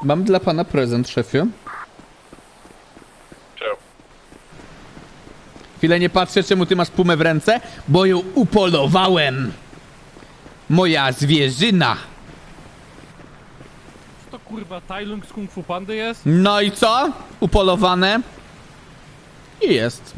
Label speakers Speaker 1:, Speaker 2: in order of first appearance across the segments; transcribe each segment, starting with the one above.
Speaker 1: Mam dla pana prezent, szefie.
Speaker 2: Czemu?
Speaker 1: Chwilę nie patrzę, czemu ty masz pumę w ręce, bo ją upolowałem. Moja zwierzyna.
Speaker 3: To kurwa Tailung z Kung Fu Pandy jest?
Speaker 1: No i co? Upolowane. I jest.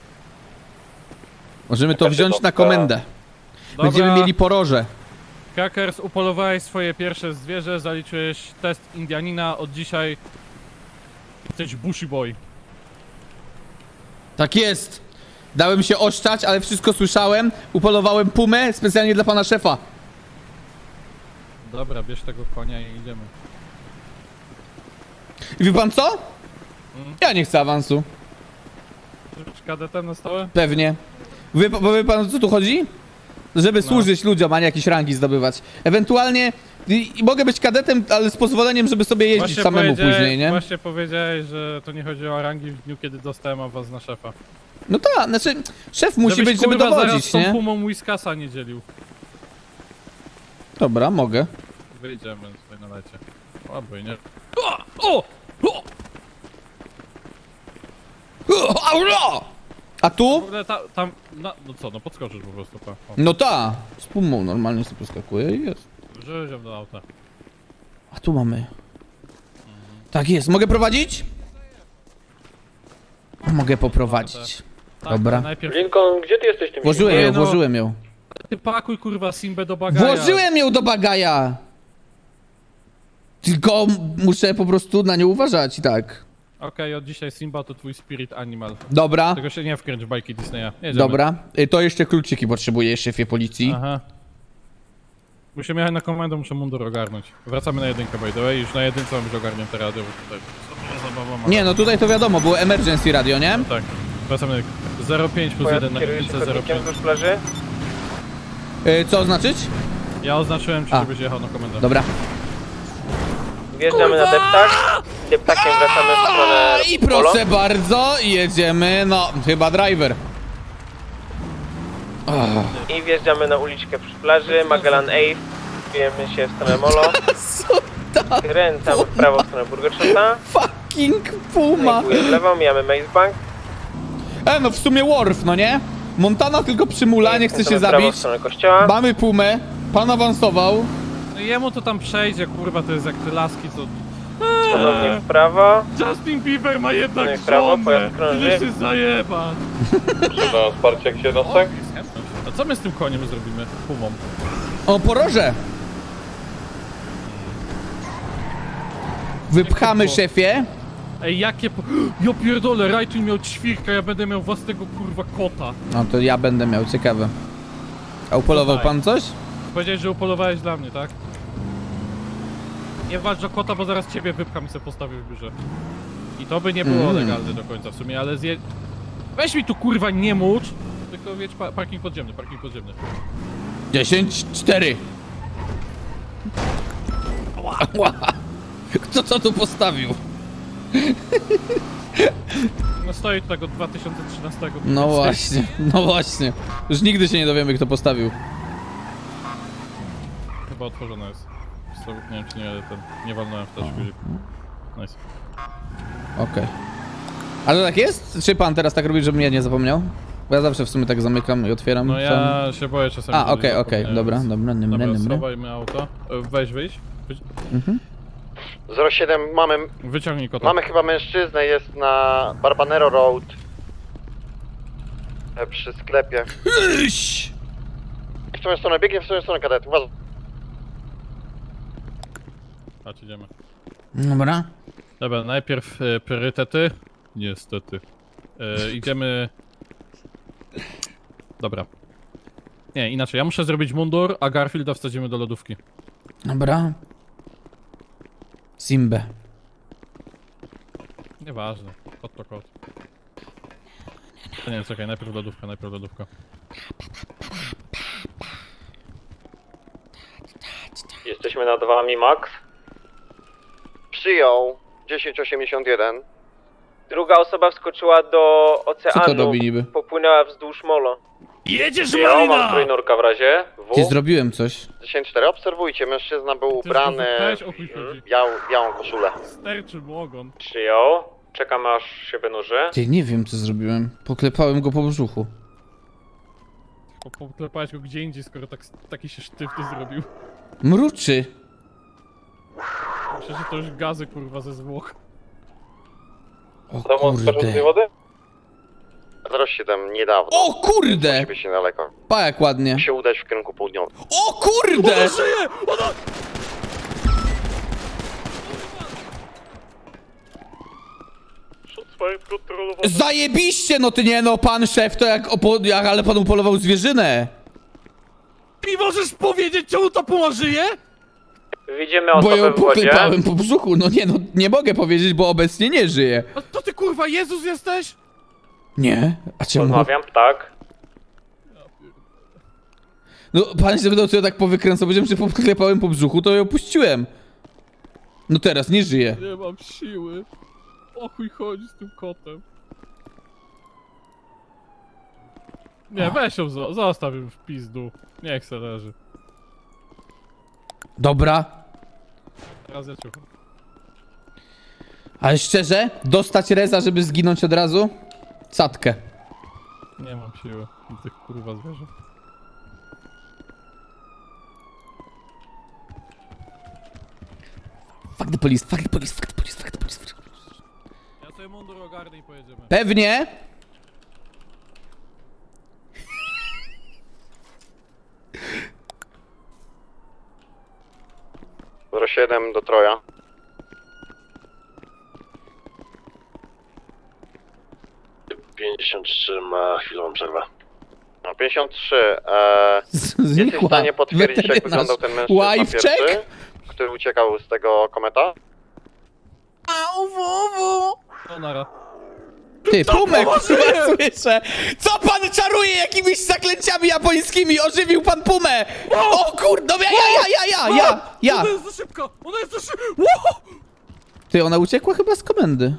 Speaker 1: Możemy to wziąć na komendę. Będziemy mieli poroże.
Speaker 3: Crackers, upolowałeś swoje pierwsze zwierzę, zaliczyłeś test Indianina, od dzisiaj jesteś Bushy Boy.
Speaker 1: Tak jest. Dałem się oszczać, ale wszystko słyszałem. Upolowałem pumę specjalnie dla pana szefa.
Speaker 3: Dobra, bierz tego konia i idziemy.
Speaker 1: I wie pan co? Ja nie chcę awansu.
Speaker 3: Z kadetem na stałe?
Speaker 1: Pewnie. Bo wie pan, o co tu chodzi? Żeby służyć ludziom, a nie jakieś rangi zdobywać. Ewentualnie mogę być kadetem, ale z pozwoleniem, żeby sobie jeździć samemu później, nie?
Speaker 3: Właśnie powiedziałeś, że to nie chodzi o rangi w dniu, kiedy dostałem awans na szefa.
Speaker 1: No tak, znaczy szef musi
Speaker 3: Żebyś,
Speaker 1: być, żeby
Speaker 3: kurwa, zaraz
Speaker 1: dowodzić,
Speaker 3: z tą
Speaker 1: nie?
Speaker 3: pumą Whiskasa nie dzielił.
Speaker 1: Dobra, mogę.
Speaker 3: Wyjdziemy tutaj na lecie. Albo i nie. O!
Speaker 1: Aula! A
Speaker 3: W
Speaker 1: tu?
Speaker 3: ogóle tam, no co, no podskoczysz po prostu, pa. O,
Speaker 1: No ta. Z pumą normalnie sobie poskakuje i jest.
Speaker 3: wrzuć ją do auta.
Speaker 1: A tu mamy. Tak jest, mogę prowadzić? Mogę poprowadzić.
Speaker 3: Tak,
Speaker 1: Dobra.
Speaker 3: ale najpierw
Speaker 2: Lincoln, gdzie ty jesteś tym
Speaker 1: Włożyłem
Speaker 3: Nie
Speaker 1: ją,
Speaker 3: no.
Speaker 1: włożyłem ją.
Speaker 3: ty pakuj kurwa Simbę do bagaja.
Speaker 1: Włożyłem ją do bagaja! Tylko muszę po prostu na nią uważać i tak.
Speaker 3: Okej, od dzisiaj Simba to twój spirit animal.
Speaker 1: Dobra,
Speaker 3: Tego się nie wkręć w bajki Disneya. Jedziemy.
Speaker 1: dobra. To jeszcze kluczyki potrzebuję, szefie policji.
Speaker 3: Aha. Musimy jechać na komendę, muszę mundur ogarnąć. Wracamy na jedynkę, by the way. Już na jedynce mam już ogarnięte radio, bo tutaj zabawa ma.
Speaker 1: Nie, no tutaj to wiadomo, było emergency radio, nie?
Speaker 3: No tak. Wracamy na 0,5 plus 1 na jedynce 0,5.
Speaker 2: wzdłuż plaży?
Speaker 1: Co oznaczyć?
Speaker 3: Ja oznaczyłem ci,
Speaker 1: A.
Speaker 3: żebyś jechał na komendę.
Speaker 1: Dobra.
Speaker 2: Wjeżdżamy na deptak. Deptakiem wracamy w stronę
Speaker 1: I
Speaker 2: Polo.
Speaker 1: proszę bardzo, jedziemy, no, chyba driver.
Speaker 2: I wjeżdżamy na uliczkę przy plaży. Magellan Ave. Wbijemy się w stronę Molo. Kręcamy w prawo w stronę Burgershota.
Speaker 1: Fucking puma.
Speaker 2: W lewo, mijamy Maze Bank.
Speaker 1: No w sumie Worf, no nie? Montana tylko przymula, nie chce się
Speaker 2: Kręcamy w prawo
Speaker 1: zabić.
Speaker 2: w stronę kościoła.
Speaker 1: Mamy pumę, pan awansował.
Speaker 3: No jemu to tam przejdzie, kurwa, to jest jak te laski, co...
Speaker 2: Ponownie w prawo.
Speaker 3: Justin Bieber ma jednak
Speaker 2: No i w prawo,
Speaker 3: żonę!
Speaker 2: pojazd krąży.
Speaker 3: Idziesz się zajebać!
Speaker 2: Na wsparcie jak się nosek.
Speaker 3: A co my z tym koniem zrobimy? Pumą.
Speaker 1: O, poroże. Wypchamy, szefie.
Speaker 3: Ej, jakie po... Ja pierdolę, Rajtuń miał ćwirka, ja będę miał własnego kurwa kota.
Speaker 1: No to ja będę miał, ciekawe. A upolował
Speaker 3: Słuchaj.
Speaker 1: pan coś?
Speaker 3: Powiedziałeś, że upolowałeś dla mnie, tak? Nie walcz o kota, bo zaraz ciebie wypcham i sobie postawię w biurze. I to by nie było legalne do końca w sumie, ale weź mi tu kurwa nie mucz, tylko wiesz, parking podziemny, parking podziemny.
Speaker 1: 10-4. Kto co tu postawił?
Speaker 3: No stoi tu tak od 2013.
Speaker 1: No właśnie, no właśnie. Już nigdy się nie dowiemy, kto postawił.
Speaker 3: Chyba otworzone jest. Nie wiem czy nie walnąłem w też guzik. Nice.
Speaker 1: Okej. Ale to tak jest? Czy pan teraz tak robi, żebym ja nie zapomniał? Bo ja zawsze w sumie tak zamykam i otwieram.
Speaker 3: No
Speaker 1: sam.
Speaker 3: ja się boję czasami.
Speaker 1: A,
Speaker 3: że
Speaker 1: okej,
Speaker 3: zapomniałem,
Speaker 1: dobra,
Speaker 3: więc-
Speaker 1: dobra,
Speaker 3: Dobra,
Speaker 1: dobra.
Speaker 3: schowajmy auto. Weź wyjść.
Speaker 4: 07
Speaker 3: Wyciągnij kota.
Speaker 4: mamy chyba mężczyznę, jest na Barbanero Road przy sklepie.
Speaker 1: Iś!
Speaker 4: W tą stronę, biegnie w tą stronę kadet, uważaj.
Speaker 3: Chodź, idziemy.
Speaker 1: Dobra.
Speaker 3: Dobra, najpierw priorytety. Niestety. Idziemy... Dobra. Nie, inaczej. Ja muszę zrobić mundur, a Garfielda wsadzimy do lodówki.
Speaker 1: Dobra. Simbę.
Speaker 3: Nieważne. Kot to kot. Nie, czekaj, najpierw lodówka, najpierw lodówka.
Speaker 2: Jesteśmy nad wami, Max.
Speaker 4: Przyjął 1081.
Speaker 2: Druga osoba wskoczyła do
Speaker 1: Co
Speaker 2: oceanu.
Speaker 1: to robi niby?
Speaker 2: Popłynęła wzdłuż Molo.
Speaker 3: Jedziesz,
Speaker 2: Mam
Speaker 3: Marina!
Speaker 2: trójnurka w razie.
Speaker 1: Ty, zrobiłem coś.
Speaker 4: 10-4, obserwujcie, mężczyzna był ubrany
Speaker 3: Weź, o chuj chodzi.
Speaker 4: w białą koszulę.
Speaker 3: Sterczy mu ogon.
Speaker 2: Przyjął. Czekamy aż się wynurzy.
Speaker 1: Ty, nie wiem co zrobiłem. Poklepałem go po brzuchu.
Speaker 3: Poklepałeś go gdzie indziej, skoro taki się sztywny zrobił.
Speaker 1: Mruczy.
Speaker 3: Myślę, że to już gazy, kurwa, ze zwłok.
Speaker 1: O kurde.
Speaker 2: wody?
Speaker 4: 07, niedawno.
Speaker 1: O kurde!
Speaker 4: Ciebie się daleko.
Speaker 1: Pa jak ładnie.
Speaker 4: Musi się udać w kierunku południowym.
Speaker 1: O kurde!
Speaker 3: Żyje! Ona...
Speaker 1: Zajebiście, no ty nie no, pan szef to ale pan upolował zwierzynę.
Speaker 3: I możesz powiedzieć, czemu ta puma żyje?
Speaker 2: Widzimy
Speaker 1: Bo
Speaker 2: osobę
Speaker 1: ją
Speaker 2: w wodzie.
Speaker 1: poklepałem po brzuchu. No nie mogę powiedzieć, bo obecnie nie żyje.
Speaker 3: A to ty, kurwa, Jezus jesteś?
Speaker 1: Nie? A czemu?
Speaker 2: Rozmawiam, tak.
Speaker 1: No pan się zapytał, co ja tak powykręcał, powiedziałem, że poklepałem po brzuchu, to ją puściłem. No teraz nie żyje.
Speaker 3: Nie mam siły. O chuj chodzi z tym kotem. Nie, weź ją, zostaw ją w pizdu. Niech se leży.
Speaker 1: Dobra.
Speaker 3: Teraz ja ciucham.
Speaker 1: Ale szczerze, dostać reza, żeby zginąć od razu? Sadkę.
Speaker 3: Nie mam siły do tych kurwa zwierząt.
Speaker 1: Fuck the police, fuck the police, fuck the police, fuck the police. Fuck the police.
Speaker 3: Ja sobie mundur ogarnę i pojedziemy.
Speaker 1: Pewnie.
Speaker 4: Zero 07 do Troja.
Speaker 5: Ma chwilową przerwę.
Speaker 4: No 53, jesteś w
Speaker 1: Znikła.
Speaker 4: stanie potwierdzić, jak
Speaker 1: Weterynarz.
Speaker 4: wyglądał ten mężczyzna
Speaker 1: Wife
Speaker 4: pierwszy,
Speaker 1: check?
Speaker 4: który uciekał z tego kometa?
Speaker 3: No nara.
Speaker 1: Ty, Pumek, chyba słyszę. Co pan czaruje jakimiś zaklęciami japońskimi? Ożywił pan Pumę! O kurde, ja!
Speaker 3: Ona jest za szybka! Ona jest za szybka! Wow!
Speaker 1: Ty, ona uciekła chyba z komendy.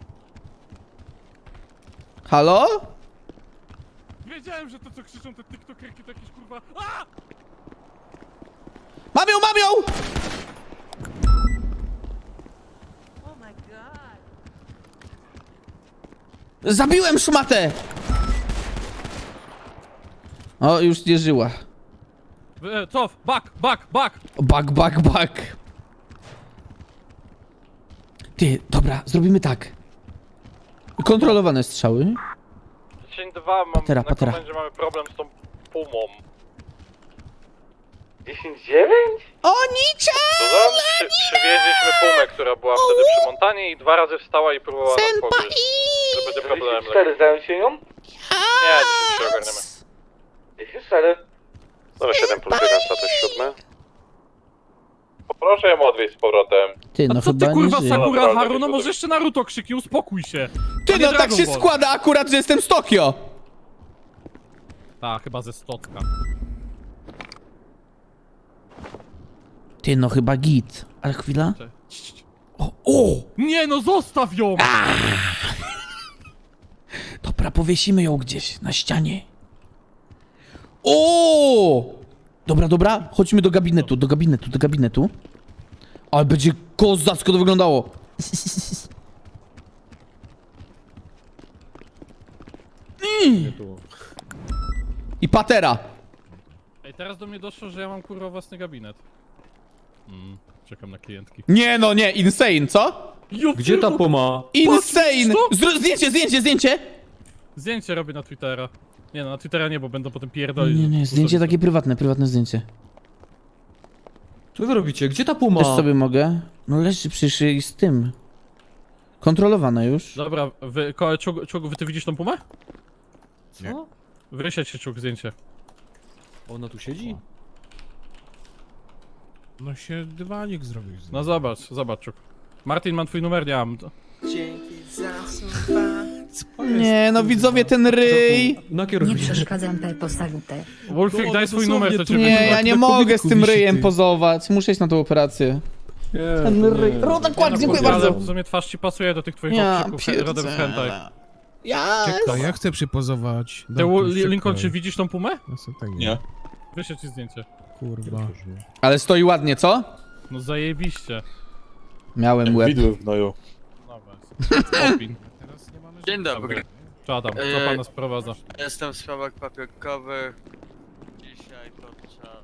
Speaker 1: Halo?
Speaker 3: Wiedziałem, że to co krzyczą te tiktokerki to jakieś kurwa... A!
Speaker 1: Mam ją, mam ją!
Speaker 6: Oh my god.
Speaker 1: Zabiłem szmatę! O, już nie żyła.
Speaker 3: Cof! Back!
Speaker 1: Bak. Ty, dobra, zrobimy tak. Kontrolowane strzały.
Speaker 2: 10-2, mam
Speaker 1: Patera,
Speaker 2: na
Speaker 1: patera.
Speaker 2: komendzie mamy problem z tą pumą. 10-9?
Speaker 1: O nicza!
Speaker 2: Przywieźliśmy pumę, która była wtedy przy Montanie i 2 razy wstała i próbowała nas pogryźć. To będzie problem.
Speaker 5: 4, zająć się nią?
Speaker 2: Nie, dzisiaj się ogarniemy.
Speaker 5: 4.
Speaker 4: 07 plus 1, status 7.
Speaker 2: Proszę ją odwieźć z powrotem.
Speaker 1: Ty, no
Speaker 3: A co
Speaker 1: chyba
Speaker 3: ty kurwa
Speaker 1: nie żyje.
Speaker 3: Sakura
Speaker 2: Dobra,
Speaker 3: Haru? No
Speaker 2: dobra.
Speaker 3: może jeszcze Naruto krzyki, uspokój się!
Speaker 1: Ty,
Speaker 3: A nie
Speaker 1: no tak
Speaker 3: Dragon
Speaker 1: się
Speaker 3: Ball.
Speaker 1: składa akurat, że jestem z Tokio.
Speaker 3: Ta, chyba ze stotka.
Speaker 1: Ty, no chyba git. Ale chwila.
Speaker 3: Cześć.
Speaker 1: O!
Speaker 3: Nie no, zostaw ją!
Speaker 1: Dobra, powiesimy ją gdzieś na ścianie. O! Dobra, chodźmy do gabinetu. Ale będzie kozacko to wyglądało. I patera.
Speaker 3: Ej, teraz do mnie doszło, że ja mam kurwa własny gabinet. Czekam na klientki.
Speaker 1: Nie no, nie, insane, co?
Speaker 7: Gdzie ta puma?
Speaker 1: Insane!
Speaker 3: Patrz,
Speaker 1: Zdjęcie!
Speaker 3: Zdjęcie robię na Twittera. Nie no, na Twittera nie, bo będą potem pierdolić.
Speaker 1: Nie, zdjęcie takie prywatne zdjęcie.
Speaker 7: Co wy robicie? Gdzie ta puma?
Speaker 1: Też sobie mogę. No leży przecież z tym. Kontrolowane już.
Speaker 3: Dobra, Czug, ty widzisz tą pumę?
Speaker 7: Co?
Speaker 3: Wysiadź się, Czug, zdjęcie.
Speaker 7: Ona tu siedzi?
Speaker 8: No się dywanik zrobił.
Speaker 3: No zobacz, Czug. Martin, mam twój numer, nie mam.
Speaker 1: Nie, no widzowie, ten ryj.
Speaker 7: Nakieruj
Speaker 9: Nie
Speaker 7: mnie.
Speaker 9: przeszkadzam te posagute.
Speaker 3: Wolfik, daj swój numer, to cię
Speaker 1: Nie, ja nie
Speaker 7: na
Speaker 1: mogę z
Speaker 7: komiku
Speaker 1: tym
Speaker 7: wisi,
Speaker 1: ryjem
Speaker 7: ty.
Speaker 1: pozować. Muszę iść na tą operację.
Speaker 7: Nie,
Speaker 1: Ten
Speaker 7: to
Speaker 1: ryj.
Speaker 7: nie.
Speaker 1: Rodek, dziękuję
Speaker 3: Ale
Speaker 1: bardzo.
Speaker 3: w sumie twarz ci pasuje do tych twoich
Speaker 1: Ja
Speaker 3: okrzyków rodem z hentai.
Speaker 8: Czekaj, ja chcę przypozować.
Speaker 3: Lincoln, czy widzisz tą pumę?
Speaker 8: Nie.
Speaker 3: Wyślę ci zdjęcie.
Speaker 8: Kurwa.
Speaker 1: Ale stoi ładnie, co?
Speaker 3: No zajebiście.
Speaker 1: Miałem łeb.
Speaker 4: Widły w gnoju.
Speaker 3: Dobra. Opin.
Speaker 9: Dzień dobry.
Speaker 3: Czadam, co pana sprowadza?
Speaker 9: Jestem w sprawach papierkowych. Dzisiaj to trzeba...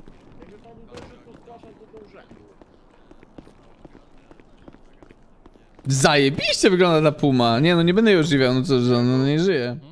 Speaker 1: Zajebiście wygląda ta puma. Nie no, nie będę jej ożywiał, no co, że on nie żyje.